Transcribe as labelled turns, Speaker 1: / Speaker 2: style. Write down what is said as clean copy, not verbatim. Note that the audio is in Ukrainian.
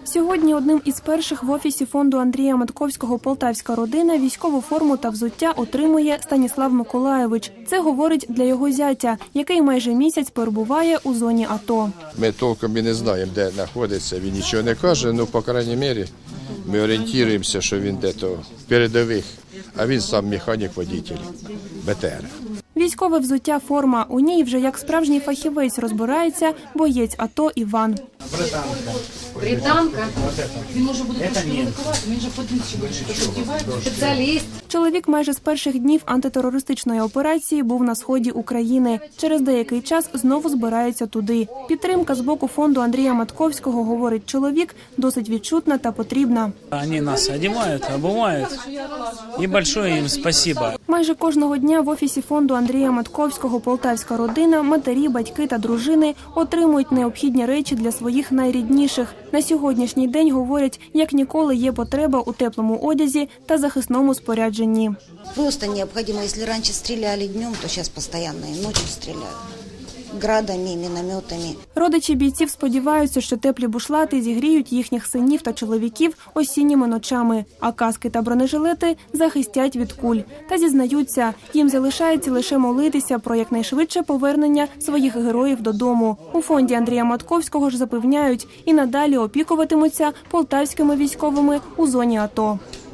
Speaker 1: Сьогодні одним із перших в офісі фонду Андрія Матковського «Полтавська родина» військову форму та взуття отримує Станіслав Миколайович. Це говорить для його зятя, який майже місяць перебуває у зоні АТО.
Speaker 2: Ми толком і не знаємо, де знаходиться, він нічого не каже, але, по крайній мірі, ми орієнтуємося, що він де-то в передових, а він сам механік-водитель БТР.
Speaker 1: Військове взуття форма. У ній вже як справжній фахівець розбирається боєць АТО Іван.
Speaker 3: Британка. Він може буде комунікувати, він же подивиться, спеціаліст.
Speaker 1: Чоловік майже з перших днів антитерористичної операції був на сході України. Через деякий час знову збирається туди. Підтримка з боку фонду Андрія Матковського, говорить чоловік, досить відчутна та потрібна.
Speaker 4: Вони нас одягають, обувають. І велике їм спасибо.
Speaker 1: Майже кожного дня в офісі фонду Андрія Матковського «Полтавська родина» матері, батьки та дружини отримують необхідні речі для своїх найрідніших. На сьогоднішній день, говорять, як ніколи є потреба у теплому одязі та захисному спорядженні.
Speaker 5: Просто необхідно, якщо раніше стріляли днем, то зараз постійно і ночі стріляють. Градами, мінометами.
Speaker 1: Родичі бійців сподіваються, що теплі бушлати зігріють їхніх синів та чоловіків осінніми ночами, а каски та бронежилети захистять від куль. Та зізнаються, їм залишається лише молитися про якнайшвидше повернення своїх героїв додому. У фонді Андрія Матковського ж запевняють, і надалі опікуватимуться полтавськими військовими у зоні АТО.